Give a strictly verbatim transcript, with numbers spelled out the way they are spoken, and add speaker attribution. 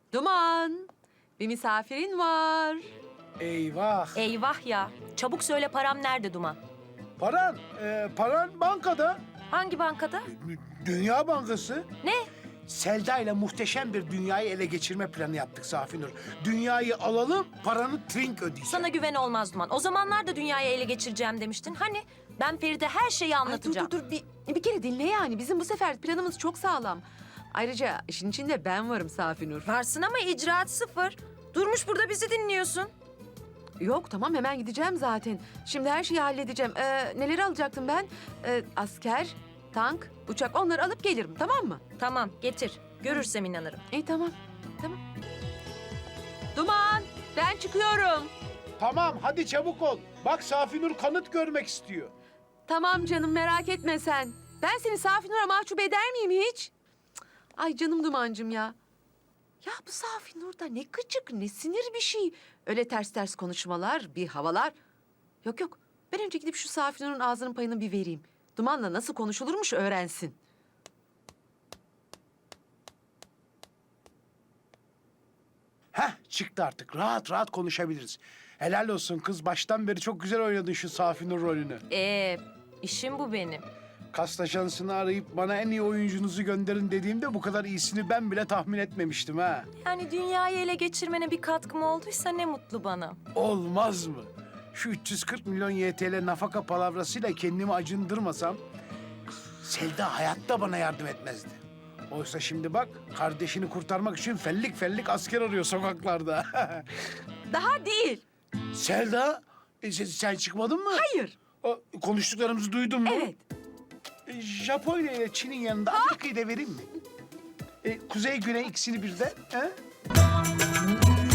Speaker 1: Duman, bir misafirin var.
Speaker 2: Eyvah.
Speaker 3: Eyvah ya. Çabuk söyle, param nerede Duman?
Speaker 2: Paran, e, paran bankada.
Speaker 3: Hangi bankada?
Speaker 2: Dünya Bankası.
Speaker 3: Ne?
Speaker 2: Selda ile muhteşem bir dünyayı ele geçirme planı yaptık Safinur. Dünyayı alalım, paranı trink ödeyeceğim.
Speaker 3: Sana güven olmaz Duman. O zamanlar da dünyayı ele geçireceğim demiştin. Hani ben Feride her şeyi
Speaker 1: Ay dur
Speaker 3: anlatacağım.
Speaker 1: dur dur bir, bir kere dinle yani. Bizim bu sefer planımız çok sağlam. Ayrıca işin içinde ben varım Safinur.
Speaker 3: Varsın ama icraat sıfır. Durmuş burada bizi dinliyorsun.
Speaker 1: Yok tamam hemen gideceğim zaten. Şimdi her şeyi halledeceğim. Ee, neleri alacaktım ben? Ee, asker, tank, uçak onları alıp gelirim tamam mı?
Speaker 3: Tamam, getir. Görürsem inanırım.
Speaker 1: İyi tamam. Tamam. Duman ben çıkıyorum.
Speaker 2: Tamam, hadi çabuk ol. Bak Safinur kanıt görmek istiyor.
Speaker 1: Tamam canım merak etme sen. Ben seni Safinur'a mahcup eder miyim hiç? Cık, ay canım Dumancığım ya. Ya bu Safinur da ne gıcık ne sinir bir şey. Öyle ters ters konuşmalar, bir havalar. Yok yok ben önce gidip şu Safinur'un ağzının payını bir vereyim. Duman'la nasıl konuşulurmuş öğrensin.
Speaker 2: Heh, çıktı artık. Rahat rahat konuşabiliriz. Helal olsun kız. Baştan beri çok güzel oynadın şu Safinur rolünü.
Speaker 3: Ee, işim bu benim.
Speaker 2: Kast ajansını arayıp bana en iyi oyuncunuzu gönderin dediğimde bu kadar iyisini ben bile tahmin etmemiştim ha.
Speaker 3: Yani dünyayı ele geçirmene bir katkım olduysa ne mutlu bana.
Speaker 2: Olmaz mı? Şu üç yüz kırk milyon Y T L nafaka palavrasıyla kendimi acındırmasam Selda hayatta bana yardım etmezdi. Oysa şimdi bak kardeşini kurtarmak için fellik fellik asker arıyor sokaklarda.
Speaker 1: Daha değil.
Speaker 2: Selda, e, sen, sen çıkmadın mı?
Speaker 1: Hayır.
Speaker 2: O, konuştuklarımızı duydun mu?
Speaker 1: Evet.
Speaker 2: E, Japonya ile Çin'in yanında Amerika'yı da vereyim mi? E, kuzey güney ikisini birden. He?